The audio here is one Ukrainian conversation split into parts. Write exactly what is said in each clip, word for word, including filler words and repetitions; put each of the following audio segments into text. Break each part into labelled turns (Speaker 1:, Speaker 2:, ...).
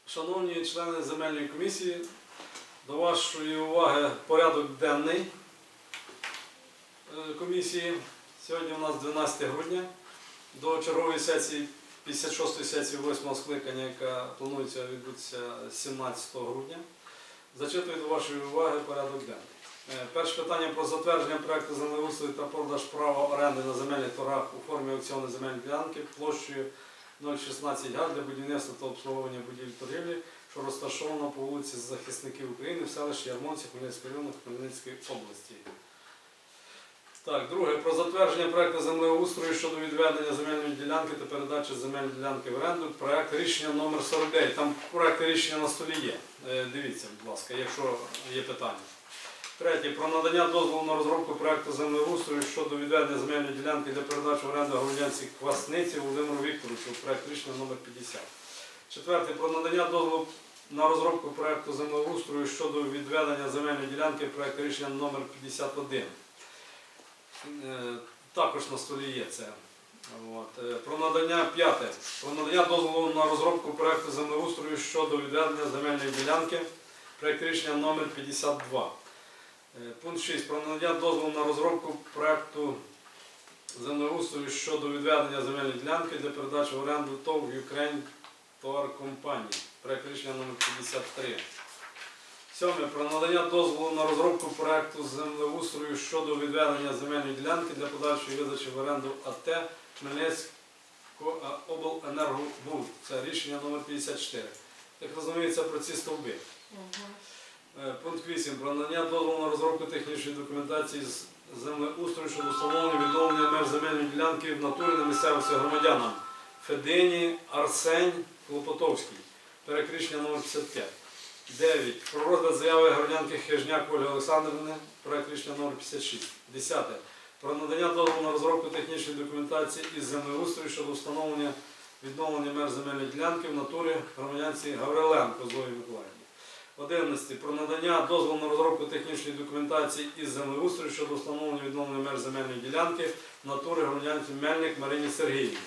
Speaker 1: Шановні члени земельної комісії, до вашої уваги порядок денний комісії. Сьогодні у нас дванадцяте грудня, до чергової сесії, п'ятдесят шостої сесії восьмого скликання, яка планується відбутися сімнадцятого грудня. Зачитую до вашої уваги порядок денний. Перше питання про затвердження проекту землеустрою та продаж права оренди на земельних торгах у формі аукціону земельної ділянки площею нуль шістнадцять га для будівництва та обслуговування будівель торгівлі, що розташовано по вулиці Захисників України в селищі Ярмонці Хмельницького району Хмельницької області. Так, друге. Про затвердження проекту землеустрою щодо відведення земельної ділянки та передачі земельної ділянки в оренду. Проект рішення номер сорок дев'ять. Там проект рішення на столі є. Дивіться, будь ласка, якщо є питання. Третє. Про надання дозволу на розробку проекту землеустрою щодо відведення земельної ділянки для передачі в оренду громадянці Квасниці Володимиру Вікторовичу. Проект рішення номер п'ятдесят. Четверте. Про надання дозволу на розробку проекту землеустрою щодо відведення земельної ділянки. Проект рішення номер п'ятдесят один. Також на столі є це. От. Про надання п'яте. Про надання дозволу на розробку проекту землеустрою щодо відведення земельної ділянки. Проект рішення номер п'ятдесят два. Пункт шість. Про надання дозволу на розробку проекту землеустрою щодо відведення земельної ділянки для передачі в оренду ТОВ Ukraine Tower Company. Проект рішення номер п'ятдесят три. Сьоме. Про надання дозволу на розробку проекту землеустрою щодо відведення земельної ділянки для подальшої видачі в оренду АТ Хмельницького обленергобуд. Це рішення номер п'ятдесят чотири. Як розуміється, про ці стовби. Угу. Пункт вісім. Про надання дозволу на розробку технічної документації з землеустрою щодо встановлення відновлення меж земельної ділянки в натурі на місцевості громадянам Федині Арсень Клопотовський. Проект рішення номер п'ятдесят п'ять. дев'ять. Про розгляд заяви громадянки Хижняк Ольги Олександрівни. Проект рішення номер п'ятдесят шість. десяте. Про надання дозволу на розробку технічної документації із землеустрою щодо встановлення відновлення меж земельної ділянки в натурі громадянці Гавриленко Зої Миколаївні. одинадцяте. Про надання дозволу на розробку технічної документації із землеустрою щодо встановлення відновлення меж земельної ділянки в натурі громадянці Мельник Марині Сергіївні.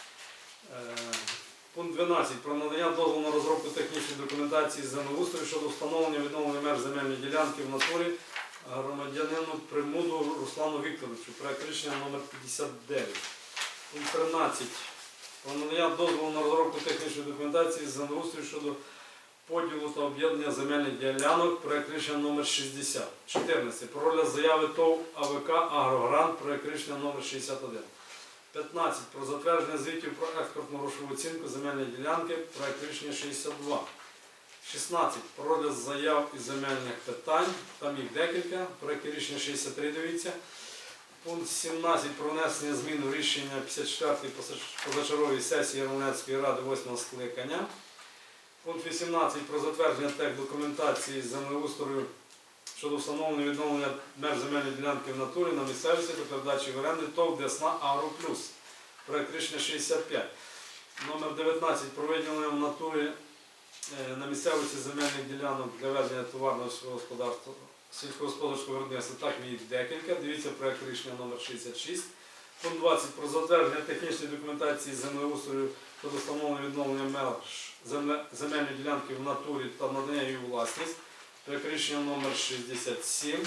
Speaker 1: Пункт дванадцять. Про надання дозволу на розробку технічної документації з землеустрою щодо встановлення відновлення меж земельної ділянки в натурі громадянину Примуду Руслану Вікторовичу. Проект рішення номер п'ятдесят дев'ять. Пункт тринадцять. Про надання дозволу на розробку технічної документації з землеустрою щодо поділу та об'єднання земельних ділянок. Проект рішення номер шістдесят. чотирнадцять. Про розгляд заяви ТОВ АВК Агрогрант. Проект рішення номер шістдесят один. п'ятнадцять. Про затвердження звітів про експортну грошову оцінку земельної ділянки. Проект рішення шістдесят два. шістнадцять. Про розгляд заяв із земельних питань. Там їх декілька. Проект рішення шістдесят три, дивіться. Пункт сімнадцять. Про внесення змін у рішення п'ятдесят четвертої позачергової сесії Ярмолинецької ради восьмого скликання. Пункт вісімнадцять. Про затвердження техдокументації з землеустрою щодо встановлення відновлення меж земельної ділянки в натурі на місцевості та передачі в оренду ТОВ Десна Агро Плюс. Проект рішення шістдесят п'ять. Номер дев'ятнадцять. Про виділення в натурі на місцевості земельних ділянок для ведення товарного господарства, сільськогосподарського виробництва. Так, їх декілька. Дивіться проект рішення номер шістдесят шість. Пункт двадцять. Про затвердження технічної документації з землеустрою щодо встановлення відновлення меж земельної ділянки в натурі та надання її у власність. Проект рішення номер шістдесят сім.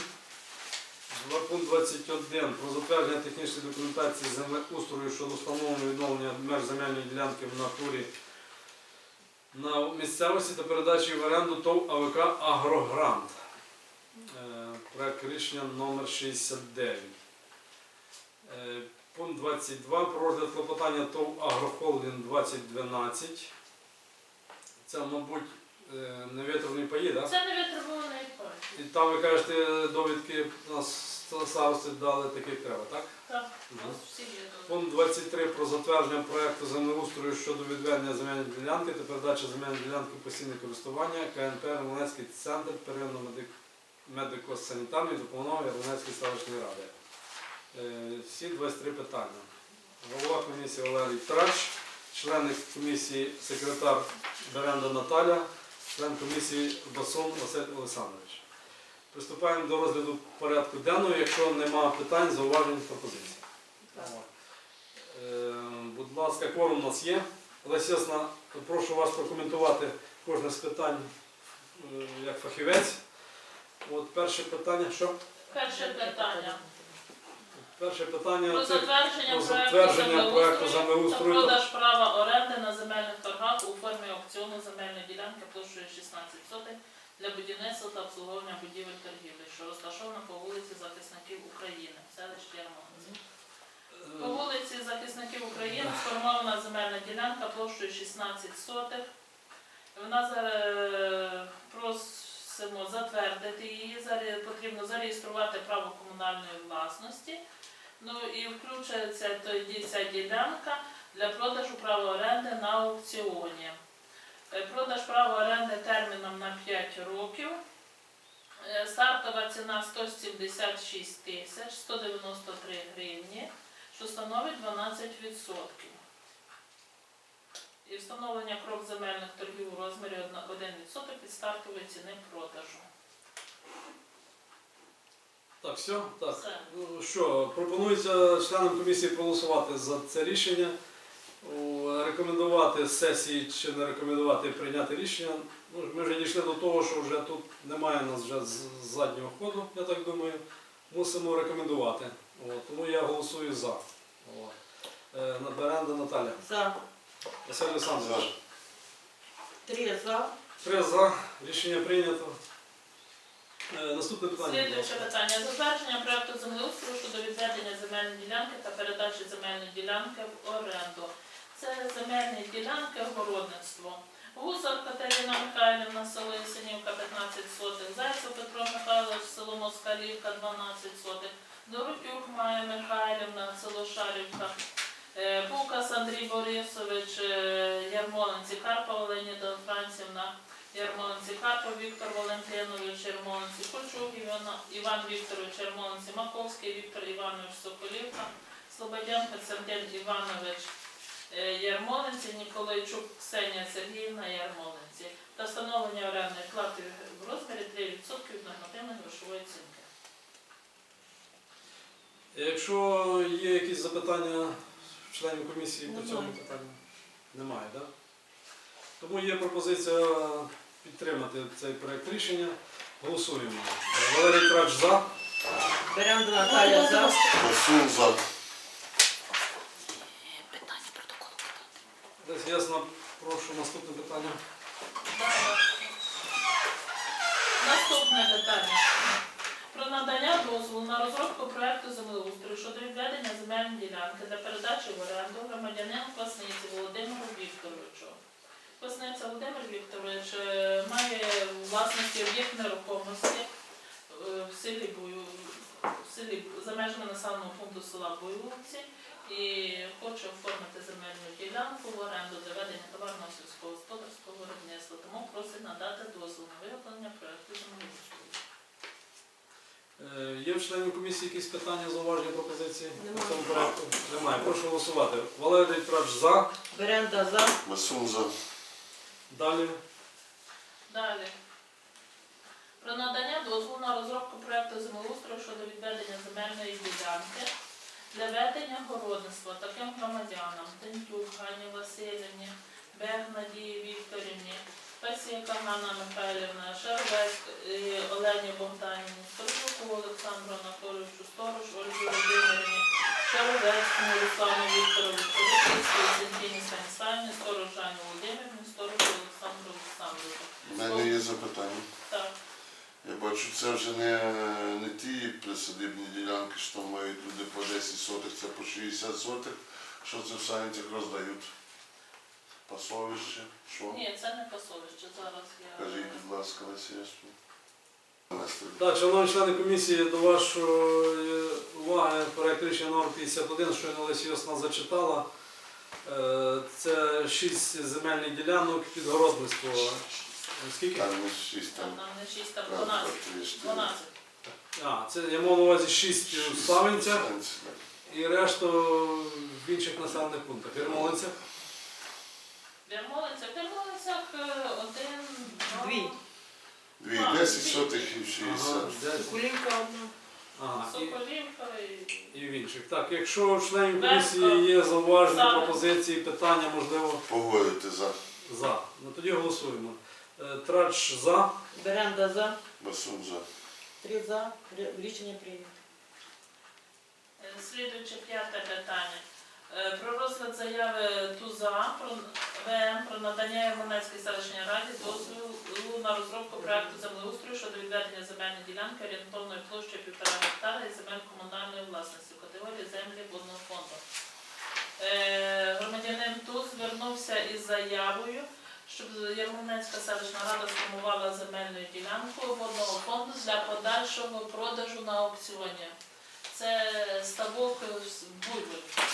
Speaker 1: Пункт двадцять один. Про затвердження технічної документації з землеустрою щодо встановлення відновлення меж земельної ділянки в натурі на місцевості та передачі в оренду ТОВ АВК Агрогрант. Проект рішення номер шістдесят дев'ять. Пункт двадцять два. Про розгляд клопотання ТОВ Агрохолдинг двадцять дванадцять. Це, мабуть, невитримані паї, так?
Speaker 2: Це невитримуваний пай.
Speaker 1: І там, ви кажете, довідки на старости дали таких треба, так?
Speaker 2: Так, у нас всі є довідки.
Speaker 1: Пункт двадцять три. Про затвердження проєкту землеустрою щодо відведення земельної ділянки та передачі земельної ділянки в постійне користування КНП Ярмолинецький центр первинно-медико-санітарної допомоги Ярмолинецької селищної ради. Всі двадцять три питання. Голова комісії Валерій Трач, члени комісії секретар Беренда Наталя, член комісії Басун Василь Олександрович. Приступаємо до розгляду порядку денного, якщо немає питань, зауважень, пропозицій. Е, будь ласка, кворум у нас є. Олеся Ясна, прошу вас прокоментувати кожне з питань е, як фахівець. От перше питання, що?
Speaker 2: Перше питання.
Speaker 1: Перше питання
Speaker 2: Про
Speaker 1: це
Speaker 2: затвердження
Speaker 1: про
Speaker 2: проекту
Speaker 1: затвердження проекту
Speaker 2: землеустрою та
Speaker 1: землеустрою.
Speaker 2: продаж права оренди на земельних торгах у формі аукціону земельної ділянки площею шістнадцять сотих для будівництва та обслуговування будівель торгівлі, що розташована по вулиці Захисників України, селищі Ярмолинці. По вулиці Захисників України сформована земельна ділянка площею шістнадцять сотих. Вона зараз просимо затвердити її, заре- потрібно зареєструвати право комунальної власності. Ну і включається тоді ця ділянка для продажу права оренди на аукціоні. Е, Продаж права оренди терміном на п'ять років. Е, Стартова ціна сто сімдесят шість тисяч сто дев'яносто три гривні, що становить дванадцять відсотків. І встановлення крок земельних торгів у розмірі один відсоток від стартової ціни продажу.
Speaker 1: Так, все? Так.
Speaker 2: Все.
Speaker 1: Ну що, пропонується членам комісії проголосувати за це рішення, о, рекомендувати сесії чи не рекомендувати прийняти рішення. Ну, ми вже дійшли до того, що вже тут немає у нас вже з- заднього ходу, я так думаю. Мусимо рекомендувати. От, тому я голосую за. От. Е, Беренда Наталя.
Speaker 3: За.
Speaker 1: Василь Олександрович.
Speaker 3: Три за.
Speaker 1: Три за. Рішення прийнято. Е, Наступне питання. будь
Speaker 2: Слідуюче
Speaker 1: ласка.
Speaker 2: питання. Затвердження проекту землеустрою щодо відведення земельної ділянки та передачі земельної ділянки в оренду. Це земельні ділянки городництво. Гусар Катерина Михайлівна, село Ісенівка, п'ятнадцять сотих. Зайцев Петро Михайлович, село Москалівка, дванадцять сотих. Доротюк Майя Михайлівна, село Шарівка. Е, Пукас Андрій Борисович, е, Ярмолинці, Карпова Леоніда Францівна, Ярмолинці, Карпов Віктор Валентинович, Ярмолинці, Кольчук Івана- Іван Вікторович, Ярмолинці, Маковський Віктор Іванович, Соколівка, Слободян Константин Іванович, е, Ярмолинці, Ніколайчук Ксенія Сергіївна, Ярмолинці. Та встановлення орендної плати в розмірі три відсотки від нормативної грошової оцінки.
Speaker 1: Якщо є якісь запитання членів комісії по цьому
Speaker 3: Немає.
Speaker 1: питанню? Немає, так? Тому є пропозиція підтримати цей проект рішення. Голосуємо. Валерій Трач за.
Speaker 3: Беренда Наталя за.
Speaker 4: Басун за.
Speaker 1: Десь ясно, прошу наступне питання.
Speaker 2: Наступне питання. Про надання дозволу на розробку проекту землеустрою щодо відведення земельної ділянки для передачі в оренду громадянину Квасниці Володимиру Вікторовичу. Квасниця Володимир Вікторович е, має у власності об'єкт нерухомості е, в селі Бою, в селі за межами населеного пункту села Бойовці і хоче оформити земельну ділянку в оренду для ведення товарного сільськогосподарського виробництва. Тому просить надати дозвіл на виготовлення проекту землеустрою.
Speaker 1: Е, Є в членів комісії якісь питання, зауваження, пропозиції по
Speaker 3: Немає.
Speaker 1: цьому проекту? Немає. Прошу голосувати. Валерій Трач за.
Speaker 3: Беренда за.
Speaker 4: Басун за.
Speaker 1: Далі.
Speaker 2: Далі. Про надання дозволу на розробку проекту землеустрою щодо відведення земельної ділянки для ведення городництва таким громадянам: Тентюк Ганні Васильівні, Берг Надії Вікторівні, Пасіка Ганна Михайлівна, Шервець е, Олені Богданівні, Сторожуку Олександру Анатолійовичу, Сторож Ольгі Володимирівні, Шервецькому Руслану Вікторовичу, Російській Зінтіні Станіславівні, Сторож Жанні Володимирівні, Сторож Олександру Олександровичу.
Speaker 4: У мене є запитання.
Speaker 2: Так.
Speaker 4: Я бачу, це вже не, не ті присадибні ділянки, що там мають люди по десять сотих, це по шістдесят сотих. Що це в Санцях роздають? Пасовище? Що?
Speaker 2: Ні, це не пасовище. Зараз я...
Speaker 4: Кажіть, будь ласка, на сільство.
Speaker 1: Так, шановні члени комісії, до вашої уваги проект рішення номер п'ятдесят один, що Олеся Йосна зачитала. Е, Це шість земельних ділянок під городництво. Скільки?
Speaker 4: Там не шість,
Speaker 2: Там,
Speaker 4: там.
Speaker 2: там не шість, там
Speaker 4: раз, два,
Speaker 2: дванадцять.
Speaker 4: три, чотири.
Speaker 2: дванадцять.
Speaker 1: А, це я мав на увазі шість у Савинцях
Speaker 4: Санці, так.
Speaker 1: і решту в інших населених пунктах. Ярмолинцях.
Speaker 2: В Ярмолинцях, в Ярмолинцях е, один, два,
Speaker 3: Дві.
Speaker 4: Дві,
Speaker 2: А,
Speaker 4: десять
Speaker 2: дві.
Speaker 4: сотих і
Speaker 1: Ага,
Speaker 4: шістдесят.
Speaker 1: десять.
Speaker 3: Соколівка одна.
Speaker 1: Ага, і,
Speaker 2: Соколівка і...
Speaker 1: і в інших. Так, якщо у членів
Speaker 2: Верхка.
Speaker 1: комісії є зауваження,
Speaker 2: Савин.
Speaker 1: пропозиції, питання, можливо,
Speaker 4: Погодити за.
Speaker 1: за. Ну тоді голосуємо. Е, Трач за.
Speaker 3: Беренда за.
Speaker 4: Басун за.
Speaker 3: Три за. Ри- Рішення прийнято.
Speaker 2: Е, Слідуюче п'яте питання. Е, Про розгляд заяви ТУЗА про ВМ про надання Ярмолинецькій селищній раді дозволу на розробку проекту землеустрою щодо відведення земельної ділянки орієнтовною площею півтора гектара і земель комунальної власності в категорії землі водного фонду. Е, Громадянин ТУЗ звернувся із заявою, щоб Ярмолинецька селищна рада сформувала земельну ділянку водного фонду для подальшого продажу на аукціоні. Це ставок з Буйволівця.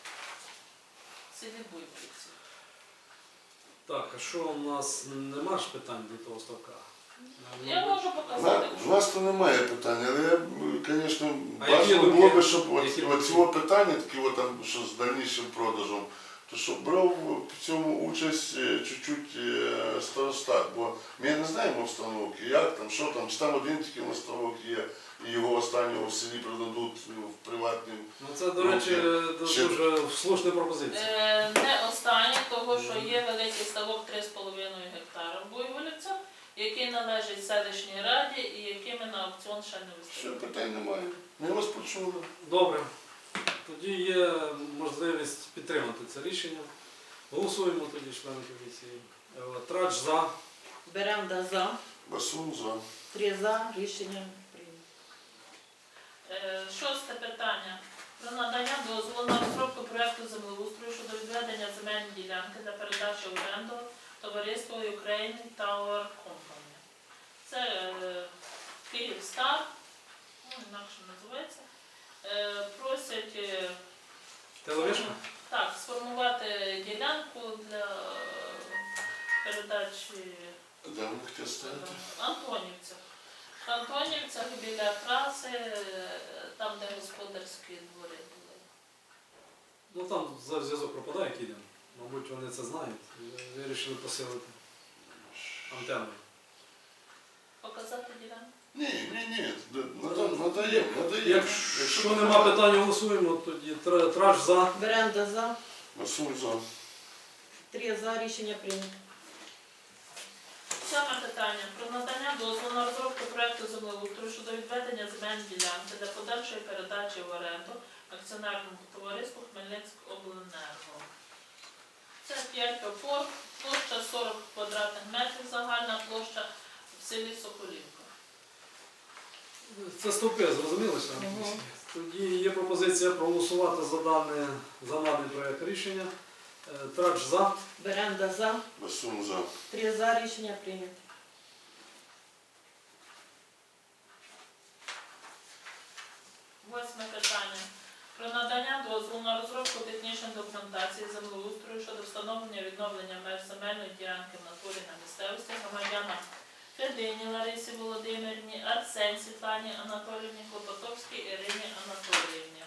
Speaker 2: В селі Буйволівці.
Speaker 1: Так, а що у нас нема ж питань до того ставка?
Speaker 2: Я можу
Speaker 4: На-
Speaker 2: показати.
Speaker 4: В нас то немає питань, але я, звісно,
Speaker 1: А які
Speaker 4: бажано
Speaker 1: думки?
Speaker 4: було би, щоб от,
Speaker 1: Які
Speaker 4: от
Speaker 1: думки?
Speaker 4: цього питання, такі от там, що з дальнішим продажем, то щоб брав в цьому участь е, чуть-чуть е, старостат, бо ми не знаємо обстановки, як там, що там, чи там один тільки наставок є, і його останнього в селі продадуть в приватним.
Speaker 1: Ну це, до речі,
Speaker 4: Ще-
Speaker 1: дуже слушна пропозиція.
Speaker 2: Е, Не останнє, того, що є великий ставок три з половиною гектара в Буйволівцях, який належить селищній раді і якими на аукціон ще не
Speaker 4: Що
Speaker 2: виставили.
Speaker 4: питань немає. Ми вас почули.
Speaker 1: Добре. Тоді є можливість підтримати це рішення. Голосуємо тоді, члени комісії. Е, Трач за.
Speaker 3: Беренда за.
Speaker 4: Басун за.
Speaker 3: Три за. Рішення прийнято.
Speaker 2: Е, Шосте питання. Про надання дозволу на розробку проекту землеустрою щодо відведення земельної ділянки для передачі в оренду товариству Ukraine Tower Company. Це е, Київстар, ну, інакше називається. Е, Просять е,
Speaker 1: Телевишка?
Speaker 2: так, сформувати ділянку для передачі
Speaker 4: Де ви хотіли ставити?
Speaker 2: Антонівцях. В Антонівцях біля траси, е, там, де господарські двори були.
Speaker 1: Ну там за- зв'язок пропадає кидем. Мабуть, вони це знають. і Вирішили посилити антенну.
Speaker 2: Показати ділянку?
Speaker 4: Ні, ні, ні. Надаємо, надаємо.
Speaker 1: Якщо нема питань, голосуємо, тоді тра- трач за.
Speaker 3: Беренда за.
Speaker 4: Басун за.
Speaker 3: Три за. Рішення прийнято.
Speaker 2: Сьоме питання. Про надання дозволу на розробку проекту землеустрою щодо відведення земельної ділянки для подальшої передачі в оренду акціонерному товариству Хмельницькобленерго. Це п'ять опор, площа сорок квадратних метрів, загальна площа в селі Соколівка.
Speaker 1: Це стовпи, зрозуміли, члени
Speaker 3: Мгм.
Speaker 1: комісії? Тоді є пропозиція проголосувати за даний, за даний проект рішення. Е, Трач за.
Speaker 3: Беренда за.
Speaker 4: Басун за.
Speaker 3: Три за. Рішення прийнято.
Speaker 2: Восьме питання. Про надання дозволу на розробку технічної документації землеустрою щодо встановлення відновлення меж земельної ділянки в натурі на місцевості громадянам Федині Ларисі Володимирівні, Арсень Світлані Анатоліївні, Клопотовській Ірині Анатоліївні.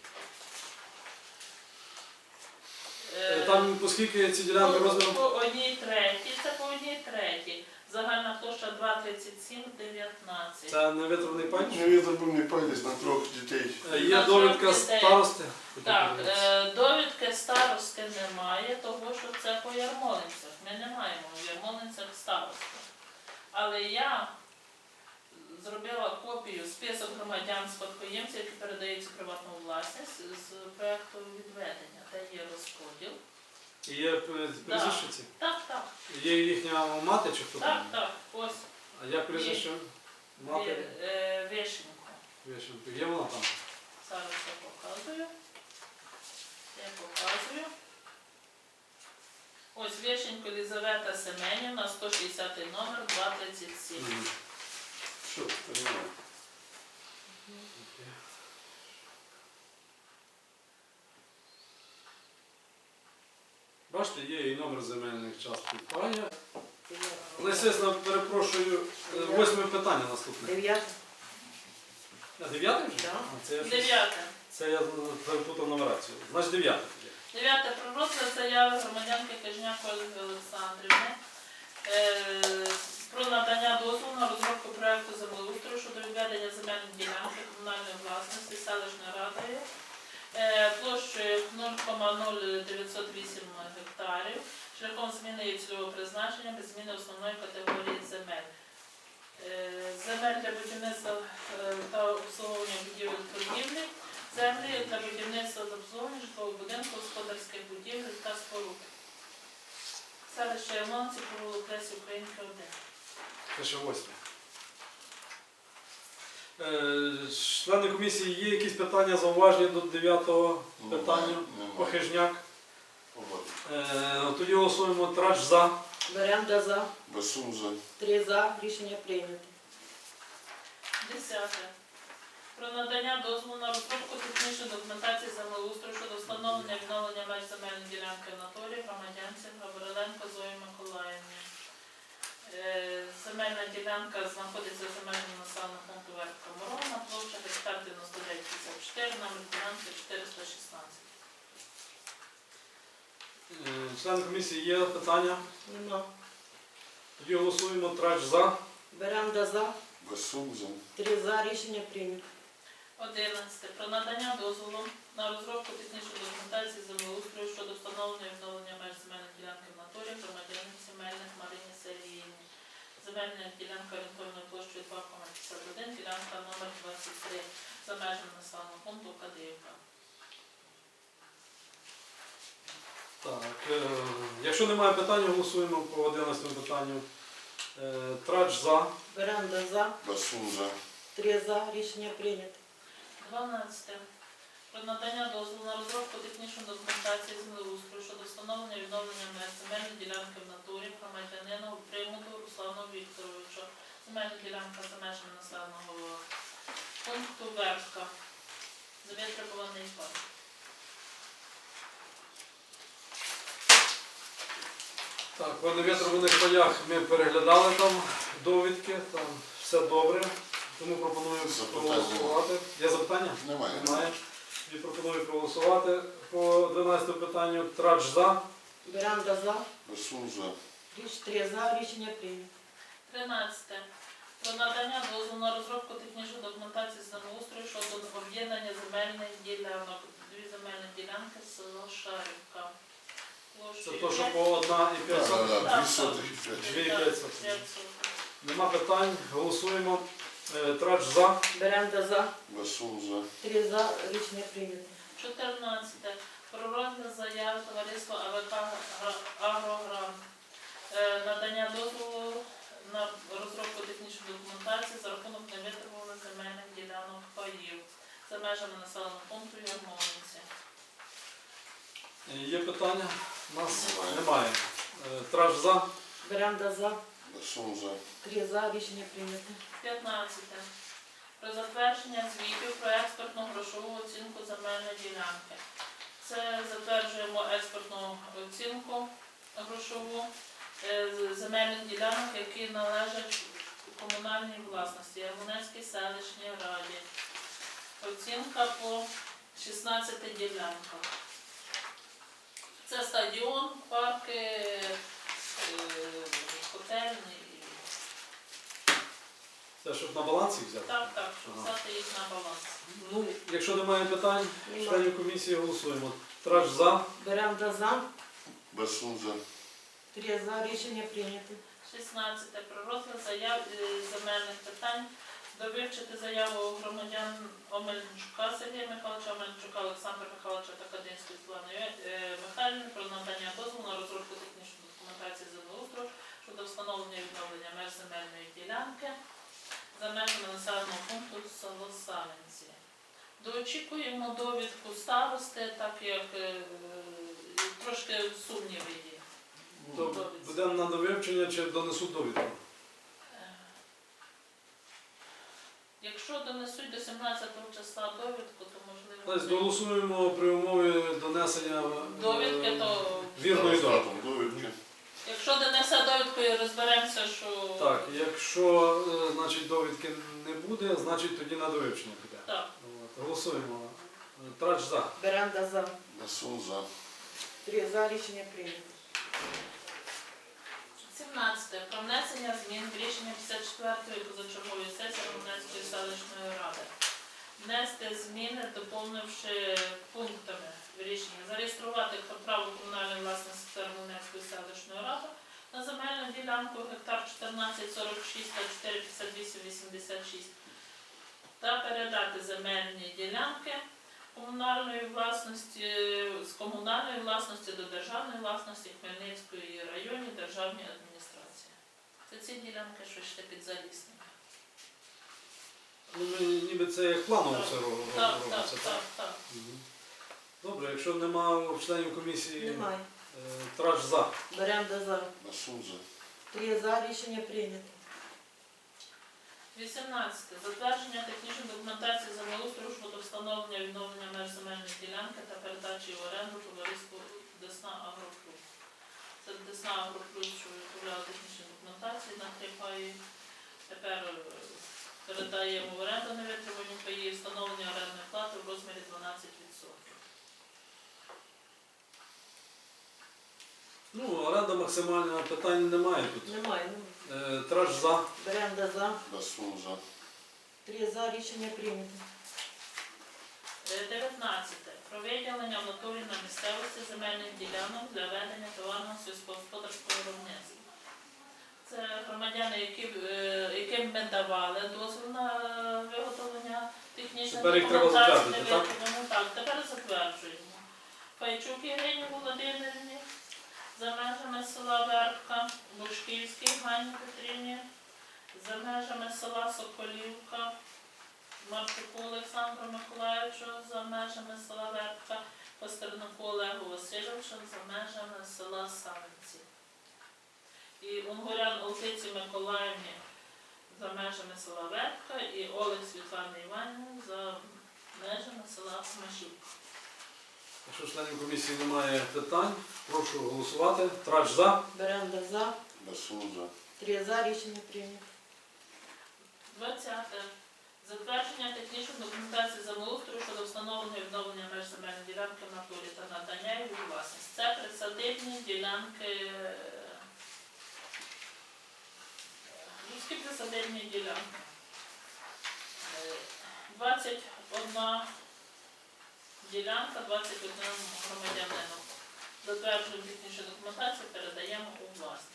Speaker 1: Е, Там, оскільки ці ділянки
Speaker 2: по,
Speaker 1: розміром.
Speaker 2: по одній третій, це по одній третій. Загальна площа два тридцять сім дев'ятнадцять.
Speaker 1: Це не витравний пай.
Speaker 4: Не відроблений пай десь на трьох дітей.
Speaker 1: Е, Є
Speaker 2: На
Speaker 1: довідка
Speaker 2: трьох дітей.
Speaker 1: старости.
Speaker 2: Так, е, довідки старости немає, того що це по Ярмолинцях. Ми не маємо в Ярмолинцях старости. Але я зробила копію список громадян спадкоємців, які передаються в приватну власність з проєкту відведення, де є розподіл.
Speaker 1: І є е, прізвище ці?
Speaker 2: Так, так,
Speaker 1: Є їхня мати чи хто
Speaker 2: так,
Speaker 1: там?
Speaker 2: так, ось
Speaker 1: А як прізвище? Мати
Speaker 2: Ві- е, Вишенько.
Speaker 1: Вишенко. Є вона там?
Speaker 2: Зараз я показую. Я показую. Ось Вишенько Лізавета Семенівна, сто шістдесятий номер, два тридцять сім.
Speaker 1: Мгм.
Speaker 4: Що це немає?
Speaker 1: Бачите, є і номер земельних часток пані. Але, естественно, перепрошую, е, восьме питання наступне.
Speaker 3: Дев'яте.
Speaker 1: А, дев'яте вже?
Speaker 3: Да.
Speaker 1: А, це, я щось-
Speaker 2: Дев'яте.
Speaker 1: це я перепутав нумерацію. Значить, дев'яте тоді.
Speaker 2: Дев'яте. Про розгляд заяви громадянки Кажняк Ольги Олександрівни е, про надання дозволу на розробку проекту землеустрою щодо відведення земельної ділянки комунальної власності селищною радою е, площею нуль кома нуль дев'ятсот вісім гектарів шляхом зміни її цільового призначення без зміни основної категорії земель для будівництва е, та обслуговування будівель торгівлі, землі для будівництва та обслуговування житлового будинку, господарських будівель та споруд. Селище Ямонці, провулок Лесі Українки, один.
Speaker 1: Це ще восьме. Е, Члени комісії, є якісь питання, зауваження до дев'ятого питання?
Speaker 4: Немає.
Speaker 1: Похижняк.
Speaker 4: Побачимо.
Speaker 1: Е, Тоді голосуємо. Трач за.
Speaker 3: Беренда за.
Speaker 4: Басун за.
Speaker 3: Три за. Рішення прийнято.
Speaker 2: Десяте. Про надання дозволу на розробку технічної документації землеустрою щодо встановлення відновлення меж земельної ділянки в натурі громадянці Гавриленко Зої Миколаївні. Е, Земельна ділянка знаходиться за межами населеного пункту Верхка Морона, площа гектар дев'яносто дев'ять п'ятдесят чотири, номер ділянки чотириста шістнадцять.
Speaker 1: Е, Члени комісії, є питання?
Speaker 3: Нема.
Speaker 1: Тоді голосуємо. Трач за.
Speaker 3: Беренда за.
Speaker 4: Басун за.
Speaker 3: Три за. Рішення прийнято.
Speaker 2: Одинадцяте. Про надання дозволу на розробку технічної документації землеустрою щодо встановлення і відновлення меж земельної ділянки в натурі громадянки земельних Марині Сергіївні. Земельна ділянка орієнтовною площею два кома п'ятдесят один, ділянка номер двадцять три за межами населеного пункту Кадиївка.
Speaker 1: Так, е, якщо немає питань, голосуємо по одинадцятому питанню. Е, Трач за.
Speaker 3: Беренда за.
Speaker 4: Басун за.
Speaker 3: Три за. Рішення прийнято.
Speaker 2: дванадцяте. Про надання дозволу на розробку технічної документації землеустрою щодо встановлення і відновлення меж земельної ділянки в натурі громадянину Примуду Руслану Вікторовичу. Земельна ділянка за межами населеного пункту Верхка. Завітребуваний парк.
Speaker 1: Так, по невітрових полях ми переглядали там довідки, там все добре. Тому пропоную
Speaker 4: Запитання.
Speaker 1: проголосувати. Є запитання?
Speaker 4: Немає.
Speaker 1: Немає. Тоді пропоную проголосувати по дванадцятому питанню. Трач за.
Speaker 3: Беренда за.
Speaker 4: Басун за.
Speaker 3: Річ три за. Рішення прийнято.
Speaker 2: тринадцяте. Про надання дозволу на розробку технічної документації землеустрою щодо об'єднання земельних ділянок. Дві земельні ділянки село Шарівка.
Speaker 1: Це то, що по одна і п'ять
Speaker 4: Так,
Speaker 1: сотих.
Speaker 4: так,
Speaker 2: Так,
Speaker 4: дві сотих і п'ять.
Speaker 1: Дві і п'ять сотих.
Speaker 2: п'ять сотих.
Speaker 1: Нема питань. Голосуємо. Е, Трач за.
Speaker 3: Беренда за.
Speaker 4: Басун за.
Speaker 3: Три за. Рішення прийнято.
Speaker 2: чотирнадцяте. Про розгляд заяви товариства АВК «Агрогрант». Е, Надання дозволу на розробку технічної документації за рахунок невитребуваних земельних ділянок паїв за межами населеного пункту Ярмолинці.
Speaker 1: Е, Є питання? У нас
Speaker 4: Немає.
Speaker 1: немає. Е, Трач за.
Speaker 3: Беренда за.
Speaker 4: Басун за.
Speaker 3: Три за. Рішення прийнято.
Speaker 2: п'ятнадцяте. Про затвердження звітів про експертну грошову оцінку земельної ділянки. Це затверджуємо експертну оцінку грошову е, з- земельних ділянок, які належать комунальній власності Ярмолинській селищній раді. Оцінка по шістнадцяти ділянках. Це стадіон, парки, е, котельні.
Speaker 1: Це щоб на балансі взяти?
Speaker 2: Так, так, щоб
Speaker 1: Ага.
Speaker 2: взяти їх на баланс.
Speaker 1: Ну, якщо немає питань,
Speaker 3: Немає.
Speaker 1: членів комісії голосуємо. Трач за.
Speaker 3: Беренда за.
Speaker 4: Басун за.
Speaker 3: Три за. Рішення прийнято.
Speaker 2: шістнадцяте. Про розгляд заяв е, земельних питань. Довивчити заяву громадян Омельничука Сергія Михайловича, Омельничука Олександра Михайловича та Кадинської Світлани е, Михайлівни про надання дозволу на розробку технічної документації землеустрою щодо встановлення і відновлення меж земельної ділянки за межами населеного пункту село Саленці. Доочікуємо довідку старости, так як е, трошки сумніви є.
Speaker 1: То будемо на довивчення чи донесуть довідку?
Speaker 2: Е, Якщо донесуть до сімнадцятого числа довідку, то можливо.
Speaker 1: Тобто голосуємо при умові донесення е,
Speaker 2: Довідки, то
Speaker 1: вірної довідки.
Speaker 4: Результатом довідки.
Speaker 2: якщо донесе довідку і розберемося, що
Speaker 1: Так, якщо е, значить, довідки не буде, значить тоді на довивчення піде.
Speaker 2: так.
Speaker 1: От, голосуємо. Трач за.
Speaker 3: Беренда за.
Speaker 4: Басун за.
Speaker 3: Три за. Рішення прийнято.
Speaker 2: сімнадцяте. Про внесення змін в рішення п'ятдесят четвертої позачергової сесії Рівненської селищної ради. Внести зміни, доповнивши пунктами в рішенні. Зареєструвати право комунальної власності Рівненської селищної ради на земельну ділянку гектар чотирнадцять сорок шість та чотири п'ятдесят вісім вісімдесят шість та передати земельні ділянки комунальної власності з комунальної власності до державної власності Хмельницької районній державній адміністрації. Це ці ділянки, що йшли під Залісним.
Speaker 1: Ну, ми, ніби це як планово все ро-
Speaker 2: Так,
Speaker 1: ро-
Speaker 2: так,
Speaker 1: робиться,
Speaker 2: так, так.
Speaker 1: Мгм. Добре, якщо немає членів комісії,
Speaker 3: Немає.
Speaker 1: е, трач за.
Speaker 3: Беремо за.
Speaker 4: Басун за.
Speaker 3: Три за. Рішення прийнято.
Speaker 2: вісімнадцяте. Затвердження технічної документації землеустрою щодо встановлення і відновлення меж земельної ділянки та передачі в оренду товариству Десна Агроплюс. Це Десна Агроплюс, що виготовляла технічну документацію на три паї. Тепер е, передаємо в оренду невитримані паї, встановлення орендної плати в розмірі дванадцять відсотків.
Speaker 1: Ну, оренда максимальна, питань немає тут.
Speaker 3: Немає. немає.
Speaker 1: Е, Трач за.
Speaker 3: Беремо за.
Speaker 4: Басун за.
Speaker 3: Три за. Рішення прийнято.
Speaker 2: Е, дев'ятнадцяте. Про виділення в натурі на місцевості земельних ділянок для ведення товарного сільськогосподарського виробництва. Це громадяни, які, е, яким ми давали дозвіл на виготовлення технічної
Speaker 1: Тепер їх треба
Speaker 2: документації.
Speaker 1: затвердити, так?
Speaker 2: виготовлення. Так, тепер затверджуємо. Пайчук Ірині Володимирівні за межами села Вербка, Бушківській Ганні Петрівні, за межами села Соколівка, Марчуку Олександру Миколаївичу, за межами села Вербка, Пастернаку Олегу Васильовичу, за межами села Савинці. І Унгурян Олтиці Миколаївні за межами села Вербка і Олег Світлани Іванівни за межами села Машівка.
Speaker 1: Якщо членів комісії немає питань, прошу голосувати. Трач за.
Speaker 3: Беремо за.
Speaker 4: Басун за.
Speaker 3: Три за. Рішення прийнято.
Speaker 2: двадцяте. Затвердження технічної документації землеустрою щодо встановлення і відновлення меж земельної ділянки в натурі та надання її у власність. Це присадибні ділянки, е, людські присадибні ділянки. Е, двадцять одна ділянка, двадцять один громадянину. Затверджуємо технічну документацію, передаємо у власність.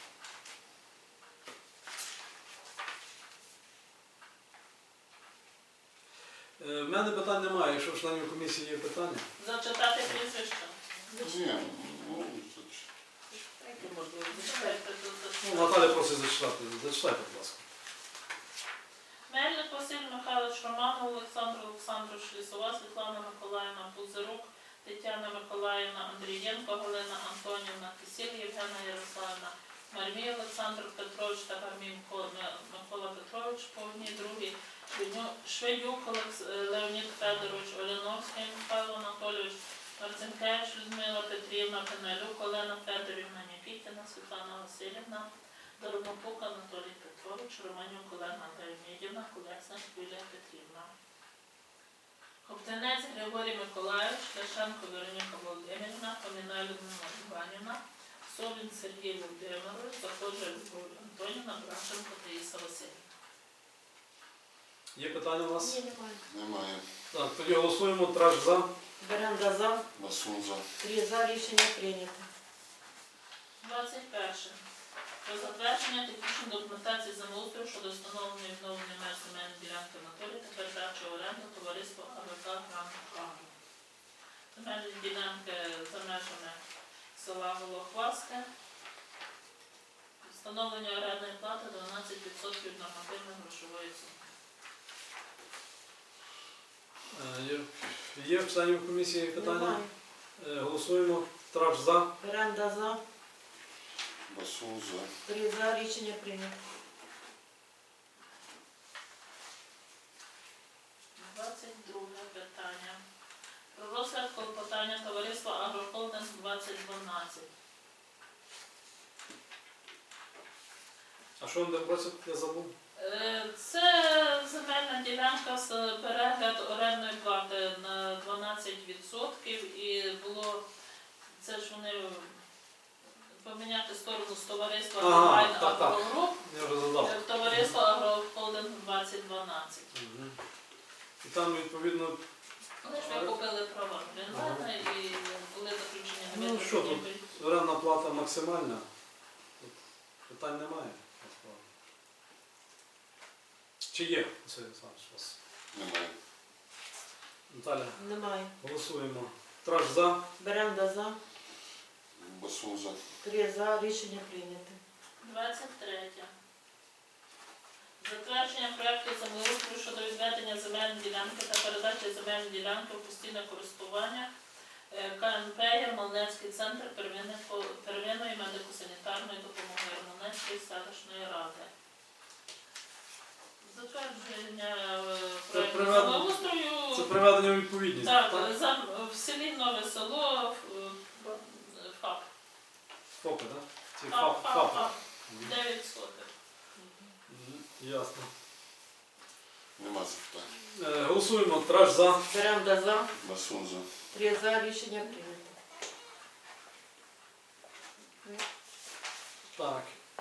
Speaker 1: Е, В мене питань немає. Якщо в членів комісії є питання.
Speaker 2: Зачитати прізвище.
Speaker 4: Ні, ну, це ж.
Speaker 3: Яке можливо.
Speaker 2: Зачитайте,
Speaker 1: Ну,
Speaker 2: зачитайте.
Speaker 1: Наталя просить зачитати. Зачитайте, будь ласка.
Speaker 2: Мельник Василь Михайлович Романов, Олександр Олександрович Лісова, Світлана Миколаївна Пузирук, Тетяна Миколаївна Андрієнко, Галина Антонівна Кисіль, Євгена Ярославівна, Мармій Олександр Петрович та Гармій Микола Петрович, по одній другій, Шведюк Олекс- Леонід Федорович, Оляновський Михайло Анатолійович, Марцинкевич Людмила Петрівна, Пенелюк Олена Федорівна, Нікітіна Світлана Васильівна, Доробопук Анатолій Петрович, Романюк Олена Леонідівна, Колесник Юлія Петрівна. Коптенець Григорій Миколаївич, Ляшенко Вероніка Володимирівна, Поміна Людмила Іванівна, Собін Сергій Володимирович, Заходжа Любов Антонівна, Брашенко Таїса Васильівна.
Speaker 1: Є питання у вас?
Speaker 3: Ні, немає.
Speaker 4: Немає.
Speaker 1: Так, тоді голосуємо. Трач за.
Speaker 3: Беремо за.
Speaker 4: Басун за.
Speaker 3: Три за. Рішення прийнято.
Speaker 2: двадцять перше. Про затвердження технічної документації землеустрою щодо встановлення і відновлення меж земельної ділянки в натурі та передачі в оренду товариства АВК «Гранд Агро». Земельні ділянки за межами села Голохваске. Встановлення орендної плати дванадцять відсотків нормативної грошової суми.
Speaker 1: Е, Є, є в членів комісії питання?
Speaker 3: Немає.
Speaker 1: Е, Голосуємо. Трач за.
Speaker 3: Беремо за.
Speaker 4: Басун за.
Speaker 3: Три за. Рішення прийнято.
Speaker 2: двадцять друге питання. Про розгляд клопотання товариства «Агрохолдинг двадцять дванадцять».
Speaker 1: А що вони просять? Я забув.
Speaker 2: Е, Це земельна ділянка з перегляд орендної плати на дванадцять відсотків і було, це ж вони поміняти сторону з товариства
Speaker 1: Ага,
Speaker 2: «Комбайн
Speaker 1: так, так.
Speaker 2: Агрогруп»
Speaker 1: Я вже задав.
Speaker 2: в товариство «Агрохолдинг двадцять дванадцять».
Speaker 1: Мгм. І там, відповідно,
Speaker 2: Вони ж викупили права орендаря і були заключені
Speaker 1: Ну,
Speaker 2: невідповідні
Speaker 1: що тут?
Speaker 2: договори.
Speaker 1: орендна плата максимальна. Тут Питань немає. насправді. Чи є, Василь Олександрович, у вас?
Speaker 4: Немає.
Speaker 1: Наталя,
Speaker 3: Немає.
Speaker 1: голосуємо. Траж за.
Speaker 3: Беренда за.
Speaker 4: Басун за.
Speaker 3: Три за. Рішення прийнято.
Speaker 2: двадцять третє. Затвердження проекту землеустрою щодо відведення земельної ділянки та передачі земельної ділянки в постійне користування е, ка ен пе Ярмолинецький центр первинної по- первинної медико-санітарної допомоги Ярмолинецької селищної ради. Затвердження е, проекту
Speaker 1: приведення-
Speaker 2: землеустрою.
Speaker 1: Це приведення у відповідність.
Speaker 2: Так, за- в селі Нове Село, е, ФАП.
Speaker 1: ФОПи, так? Ці
Speaker 2: ФАП,
Speaker 1: ФАП.
Speaker 2: ФАП,
Speaker 1: ФАПи.
Speaker 2: ФАП. дев'ять сотих.
Speaker 1: Мгм, Ясно.
Speaker 4: Нема запитань.
Speaker 1: Е, Голосуємо. Траж за.
Speaker 3: Беренда за.
Speaker 4: Басун за.
Speaker 3: Три за. Рішення прийнято.
Speaker 1: Так.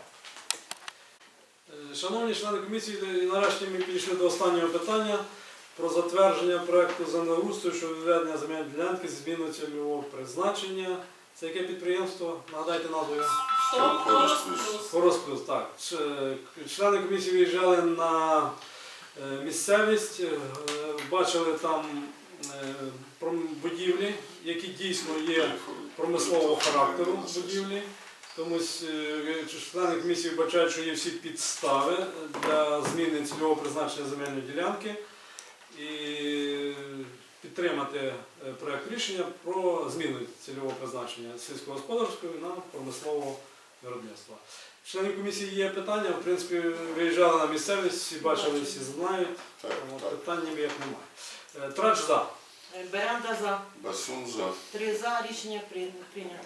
Speaker 1: Е, Шановні члени комісії, і нарешті ми підійшли до останнього питання про затвердження проекту землеустрою щодо відведення земельної ділянки зі зміною цільового призначення. Це яке підприємство? Нагадайте назву його.
Speaker 2: Сто
Speaker 4: Хорус
Speaker 2: плюс.
Speaker 4: плюс.
Speaker 1: Хорос Плюс, так. Ч- Члени комісії виїжджали на е, місцевість, е, бачили там е, пром- будівлі, які дійсно є промислового характеру будівлі. Тому е, члени комісії вбачають, що є всі підстави для зміни цільового призначення земельної ділянки і підтримати е, проект рішення про зміну цільового призначення сільськогосподарського на промислового виробництва. Членів комісії є питання, в принципі, виїжджали на місцевість, всі бачили, всі знають,
Speaker 4: Так,
Speaker 1: тому
Speaker 4: так.
Speaker 1: питань ніяк немає. Е, Трач за.
Speaker 3: Беренда за.
Speaker 4: Басун за.
Speaker 3: Три за. Рішення прийня- прийнято.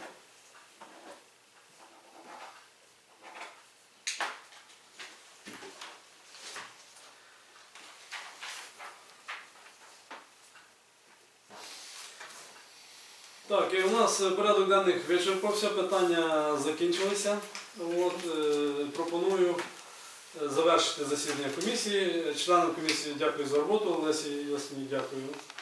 Speaker 1: Так, і у нас е, порядок денних вичерпався, питання закінчилися. От, е, пропоную е, завершити засідання комісії. Членам комісії дякую за роботу, Лесі Ясні дякую.